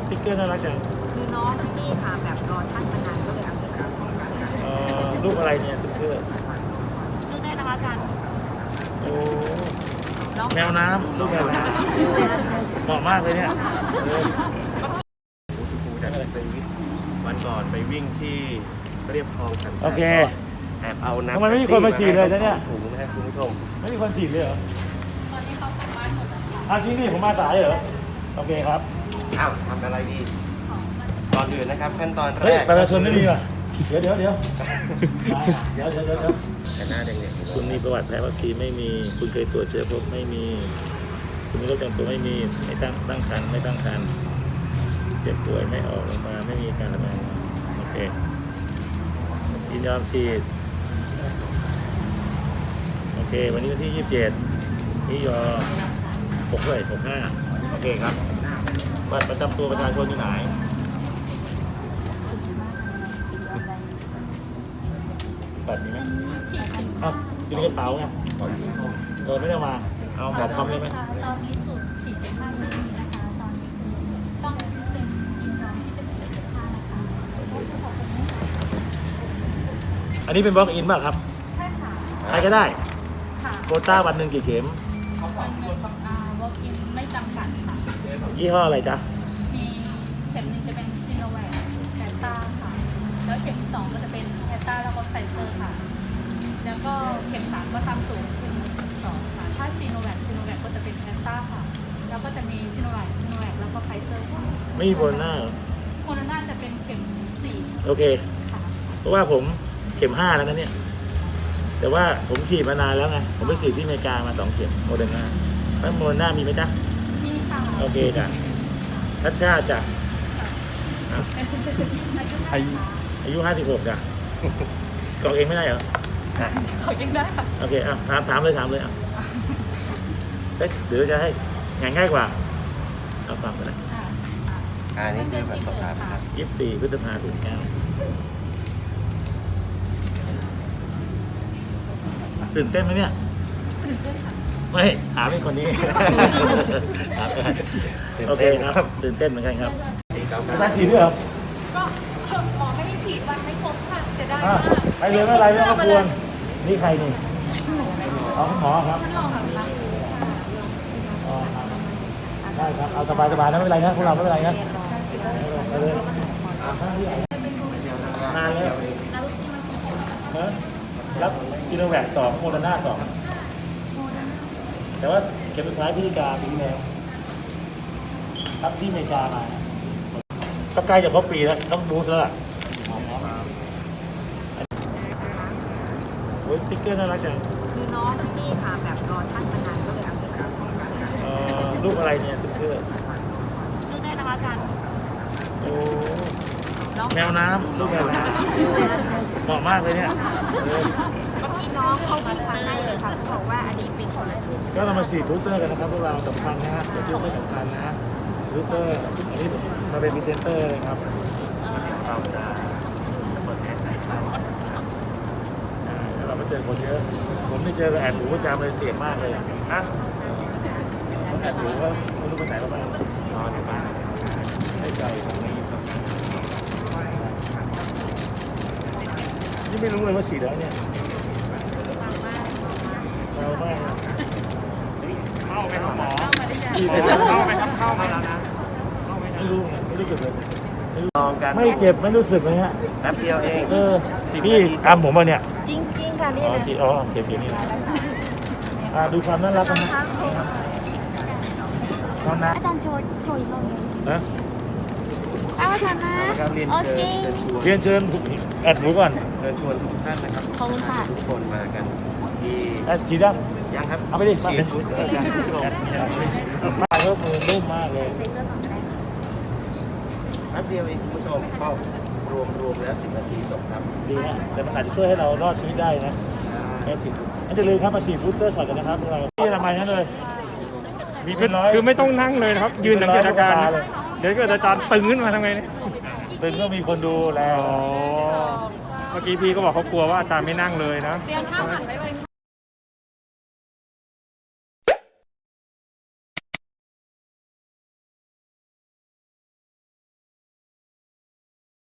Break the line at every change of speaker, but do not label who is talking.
ติ๊กเกอร์น่ารักจัง
คือน้องนี่ค่ะแบบรอท่านมานานก็เลยเอาไปรับ
รูปอะไรเนี่ยติ๊กเกอร์
เลือกได้นะคะอาจารย์
โอ้แมวน้ำลูกแมวน้ำเหมาะมากเลยเนี่ย
วันก่อนไปวิ่งที่เรียบคลองสัน
โอเค
แอบเอาน้ำ
ทำไมไม่มีคนมาฉีดเลยเนี่ย
ถุงนะครับคุณผู้ชม
ไม่มีคนฉีดเลยเหรอตอนนี้เขากลับบ้านหมดแล้วที่นี่ผมมาสายเหรอโอเคครับ
อ้าวทำอะไรดีก่อนอื่นนะครับขั้นตอนแรก
ประชาชนไม่มีป่ะเดี๋ยว
แต่หน้าแดงๆ
คุณมีประวัติแพ้วัคซีนไม่มีคุณเคยตรวจเชื้อพบไม่มีคุณมีโรคประจำตัวไม่มีไม่ตั้งครรภ์ไม่ตั้งครรภ์เจ็บป่วยไม่ออกมาไม่มีการระบาดโอเคยินยอมฉีดโอเควันนี้วันที่27นี่ยอ65โอเคครับบัตรประจำตัวประชาชนที่ไหนบัตรนี้ไหมอ้าวอยู่ในกระเป๋าไงไม่ได้มาเอาหมอพร้อมได้ไหม
ตอนนี้สูตรฉีด15ไม่มีนะคะตอนนี้ต้องเป็นยินยอมที่จะฉีด15นะคะ
อันนี้เป็นบล็อกอินป่ะครับ
ใช่ค่ะ
ใครก็ได้
ค่ะ
โควต้าวันหนึ่งกี่เข็ม
วันหนึ่งwalk in ไม่จำกัดค่ะ
ยี่ห้ออะไรจ๊ะ
มีเข็มหนึ่งจะเป็นซีโนแวคแอสตราค่ะแล้วเข็ม2ก็จะเป็นแอสตราแล้วก็ไฟเซอร์ค่ะแล้วก็เข็ม3ก็ตามสูตรคือ2ค่ะถ้าซีโนแวคก็จะเป็นแอสตราค่ะแล้วก็จะมีซีโนแวคแล้วก็ไฟเซอร์ค่ะ
ไม่มีโบนหน้า
โคโรนาจะเป็นเข็ม4
โอเคเพราะว่าผมเข็ม5แล้วนะเนี่ยแต่ว่าผมฉีดมานานแล้วไงผมไปฉีดที่อเมริกามา2 เข็มโมเดอร์นาแล้วโมเดอร์นามีไหมจ๊ะ
มีค่ะ
โอเคจ้ะท่านชาติจ้ะอายุ56จ้ะกรอกเองไม่ได้เหรอ
ขอยังได้ค่ะ
โอเคถามเลยเดี๋ยวจะให้ง่ายกว่าเอาฟังกันนะ
นี่คือแบบสอบถามครับ
24 พฤษภาคมตื่นเต้นไหมเนี่ยไม่ถามเป็นคนนี้โอเคครับตื่นเต้นเหมือนกันครับอาจารย์ฉีดด้วยเหรอ
ก็หมอไม่ได้ฉีดวันไม่ครบค่ะเสียดายมาก
ไปเลยไม่เป็นไรไม่ต้องกวนนี่ใครนี่คุณหมอครับได้ครับเอาสบายนะไม่เป็นไรนะพวกเราไม่เป็นไรนะไปเลยนานแล้วรับซีโนแวค2โมเดอร์นา2แต่ว่าเข็มสุดท้ายพฤศจิกาปีที่แล้วรับที่อเมริกามาก็ใกล้จะครบปีแล้วต้องบูสต์แล้วล่ะโอ้ยติ๊กเกอร์น่ารักจัง
คือน้องนี่ค่ะแบบรอท่านมานานก็เลยเอาไปรับ
รูปอะไรเนี่ยติ๊กเกอร์
เลือกได้นะคะอาจารย์
โอ้แมวน้ำลูกแมวน้ำเหมาะมากเลยเนี่ย
เมื่อกี้น้องเขาวิ่งมาให้เลยค่ะเขาบอกว่าอันนี้เป็นของ
ก็เรามาฉีดบูสเตอร์กันนะครับพวกเราสำคัญนะฮะเดี๋ยวไม่สำคัญนะบูสเตอร์อันนี้มาเป็นพรีเซนเตอร์เลยครับ
เราจะเปิดแอสไซน์
เราไม่เจอคนเยอะผมไม่เจอแอบหมูประจำเลยเสี่ยงมากเลยแอบหมูก็ไม่รู้ไปไหนแล้วบ้าง
นอนอยู่บ้าน
ให้ใจนี่ไม่รู้เลยว่าฉีดแล้วเนี่ยเรามากเข้าไปครับหมอเข้าไปแล้วนะไม่รู้สึกเลย
ลองกัน
ไม่เจ็บไม่รู้สึกเลยฮะ
แป๊บเดียวเอง
พี่ทำผมมาเนี่ย
จริงค่ะนี่นะ
เจ็บอย่างนี้ดูความน่ารักนะ
อาจารย์โชว์อีกรอบนึง
นะ
อาจารย์นะ
โอเค
เรียนเชิญแอดหมูก่อน
เชิญชวนทุกท่านนะครับ
ขอบคุณค่ะ
ทุกคนมากันที่
ฉีดยัง
ยังครับ
เอาไปดิ
ฉีดชุดกัน
มาเพิ่มมือนุ่มมากเลย
แป๊บเดียวเองคุณผู้ชมก็รวมแล้ว10 นาทีจบครับ
ดีนะแต่มันอาจจะช่วยให้เรารอดชีวิตได้นะแค่ฉีดอันจะลืมครับมาฉีดบูสเตอร์ช็อตกันนะครับพวกเราที่ทำไมนั่นเลย
คือไม่ต้องนั่งเลยนะครับยืนสังเกตอาการเดี๋ยวเกิดอาจารย์ตึงขึ้นมาทำไงเนี่ย
ตึงก็มีคนดูแล
เมื่อกี้พี่ก็บอกเขากลัวว่าอาจารย์ไม่นั่งเลยนะ
เรียนข้าวหันไปเลย